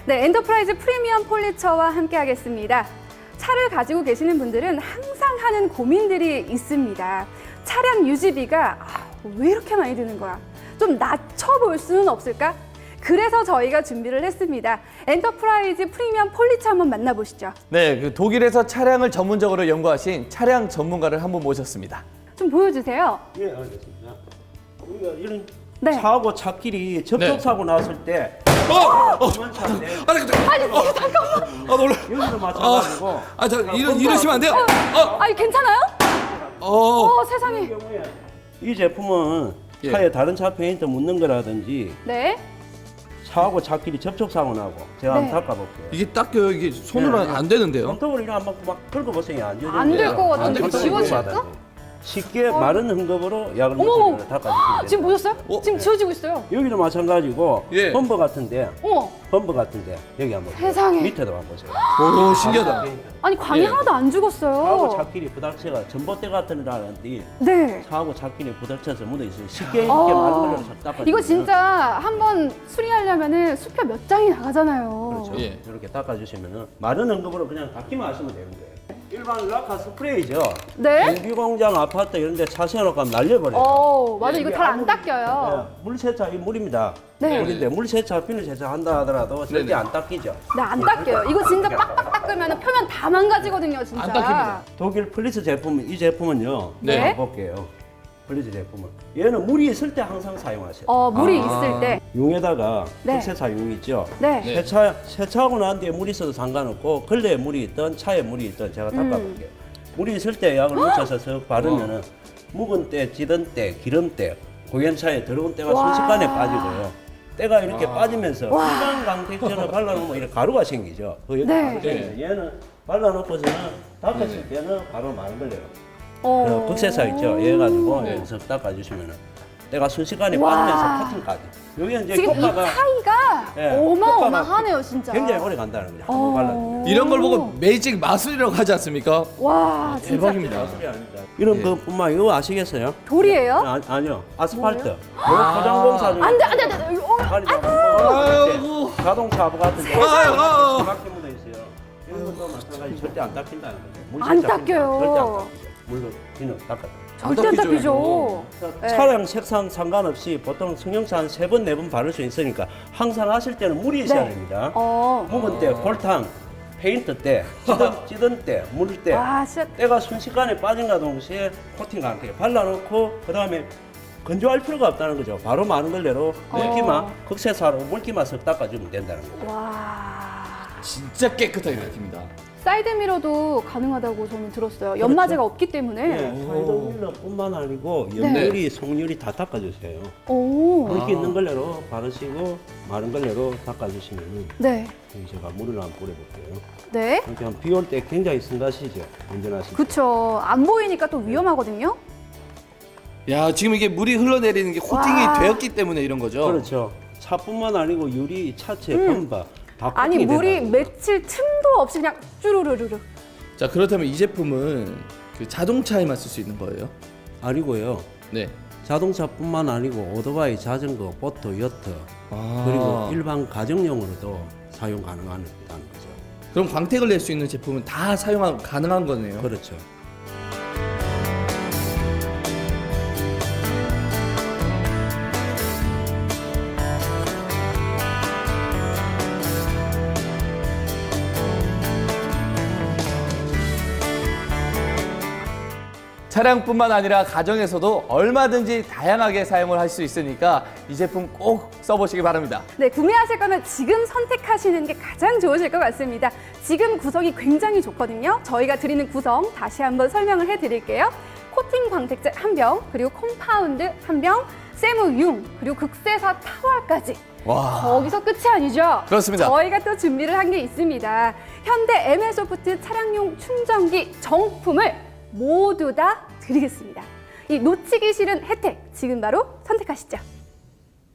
네, 엔터프라이즈 프리미엄 폴리처와 함께하겠습니다. 차를 가지고 계시는 분들은 항상 하는 고민들이 있습니다. 차량 유지비가 왜 이렇게 많이 드는 거야? 좀 낮춰볼 수는 없을까? 그래서 저희가 준비를 했습니다. 엔터프라이즈 프리미엄 폴리처 한번 만나보시죠. 네, 그 독일에서 차량을 전문적으로 연구하신 차량 전문가를 한번 모셨습니다. 좀 보여주세요. 예, 알겠습니다. 우리가 이런 네. 차하고 차끼리 접촉사고 났을 때 그만 차인데 잠깐만. 놀라. 여기도 마찬가지고 이러시면 안 돼요. 아니, 괜찮아요? 세상에. 이 경우에 이 제품은 예. 차에 다른 차 페인트 묻는 거라든지 네. 차하고 차끼리 접촉사고 나고 제가 네. 한번 닦아볼게요. 이게 닦여요. 이게 손으로 네. 안 되는데요. 손톱을 이렇게 한번 막 긁어보세요. 안 지워져요. 안 될 것 같은데. 안 지워질까? 쉽게 마른 흠겁으로 약을 어머, 묻혀서 닦아주시면 돼요. 지금 보셨어요? 어? 지금 지워지고 있어요. 여기도 마찬가지고 예. 펌버 같은데 어머, 여기 한번 보세요. 세상에. 밑에도 한번 보세요. 오, 신기하다. 아니 광이 예. 하나도 안 차하고 죽었어요. 차끼리 부닥쳐가 전봇대 같은 데라든지 네. 차하고 차끼리 부닥쳐서 묻어 있어요. 쉽게 이렇게 마른 걸로 닦아. 이거 진짜 한번 수리하려면은 수표 몇 장이 나가잖아요. 그렇죠. 예. 이렇게 닦아주시면은 마른 흠겁으로 그냥 닦기만 하시면 되는 거예요. 일반 락카 스프레이죠. 네? 공비공장 아파트 이런 데 차 세워놓고 하면 날려버려요. 맞아. 이거 이게 잘 안 아무리- 닦여요. 네, 물 세차, 이 물입니다. 네. 물인데 물 세차, 비누 세차 한다 하더라도 절대 네네. 안 닦이죠. 네, 안 닦여요. 이거 진짜 빡빡 닦으면 표면 다 망가지거든요, 진짜. 안 닦입니다. 독일 플리츠 제품, 이 제품은요. 네. 한번 볼게요. 플리츠 제품은. 얘는 물이 있을 때 항상 사용하세요. 물이 아. 있을 때. 용에다가 네. 흑세차 용 있죠. 네. 네. 세차하고 난 뒤에 물이 있어도 상관없고 걸레에 물이 있든 차에 물이 있든 제가 닦아볼게요. 물이 있을 때 약을 묻혀서 석 바르면은 묵은 때, 찌든 때, 기름 때, 고연차에 더러운 때가 와. 순식간에 빠지고요. 때가 이렇게 빠지면서 일반 강택제를 발라놓으면 이렇게 가루가 생기죠. 그 네. 가루 생기죠. 얘는 발라놓고서는 닦았을 때는 바로 마른 걸레로. 어. 극세사 있죠. 얘 가지고 네. 여기서 닦아주시면은 때가 순식간에 와. 빠지면서 커팅까지. 여기 이제 지금 이 효과가 차이가 네, 어마어마하네요, 진짜. 굉장히 오래 간다는 거죠. 한번 발라주면. 이런 걸 보고 매직 마술이라고 하지 않습니까? 와, 진짜. 대박입니다. 마술이 아닙니다. 이런 것뿐만 이거 아시겠어요? 돌이에요? 아니요. 아스팔트. 포장공사 중에 안 돼, 안 돼, 안 돼. 아이고. 자동차 하부 같은 데 아이고. 막게 묻어 있어요. 이런 것도 마찬가지 절대 안 닦인다는 거죠. 물 안 세차 닦여요. 절대 안 닦아요. 물로 비누 닦아요. 절대 안 닦이죠, 닦이죠. 네. 차량 색상 상관없이 보통 승용차 한 3번, 4번 바를 수 있으니까 항상 하실 때는 물이 있어야 네. 됩니다. 어. 묵은 때, 골탕, 페인트 때, 찌든 때, 물 때, 와, 진짜. 때가 순식간에 빠진과 동시에 코팅 강하게 발라놓고 그 다음에 건조할 필요가 없다는 거죠. 바로 마른 걸레로 물기만, 극세사로 물기만 쓱 닦아주면 된다는 거죠. 와. 진짜 깨끗하게 닦입니다. 사이드미러도 가능하다고 저는 들었어요. 연마제가 없기 때문에. 예, 사이드 윌러뿐만 아니고 옆유리, 속유리 다 닦아주세요. 오. 물기 있는 걸레로 바르시고 마른 걸레로 닦아주시면 네. 제가 물을 한번 뿌려볼게요. 네. 그냥 비 올 때 굉장히 승가시죠. 운전하실 때. 그쵸. 안 보이니까 또 위험하거든요. 야, 지금 이게 물이 흘러내리는 게 코팅이 와. 되었기 때문에 이런 거죠? 그렇죠. 차뿐만 아니고 유리, 차체, 범바 다 아니, 코팅이 물이 된다는 거죠. 맺힐 틈도 없이 그냥 쭈루루루루. 자, 그렇다면 이 제품은 그 자동차에만 쓸 수 있는 거예요? 아니고요. 네. 자동차뿐만 아니고 오토바이, 자전거, 보트, 여트 아. 그리고 일반 가정용으로도 사용 가능하다는 거죠. 그럼 광택을 낼 수 있는 제품은 다 사용 가능한 거네요. 그렇죠. 차량뿐만 아니라 가정에서도 얼마든지 다양하게 사용을 할 수 있으니까 이 제품 꼭 써보시기 바랍니다. 네, 구매하실 거면 지금 선택하시는 게 가장 좋으실 것 같습니다. 지금 구성이 굉장히 좋거든요. 저희가 드리는 구성 다시 한번 설명을 해드릴게요. 코팅 광택제 1병, 그리고 콤파운드 1병, 세무융, 그리고 극세사 타월까지. 와. 거기서 끝이 아니죠. 그렇습니다. 저희가 또 준비를 한 게 있습니다. 현대 ML소프트 차량용 충전기 정품을 모두 다 드리겠습니다. 이 놓치기 싫은 혜택, 지금 바로 선택하시죠.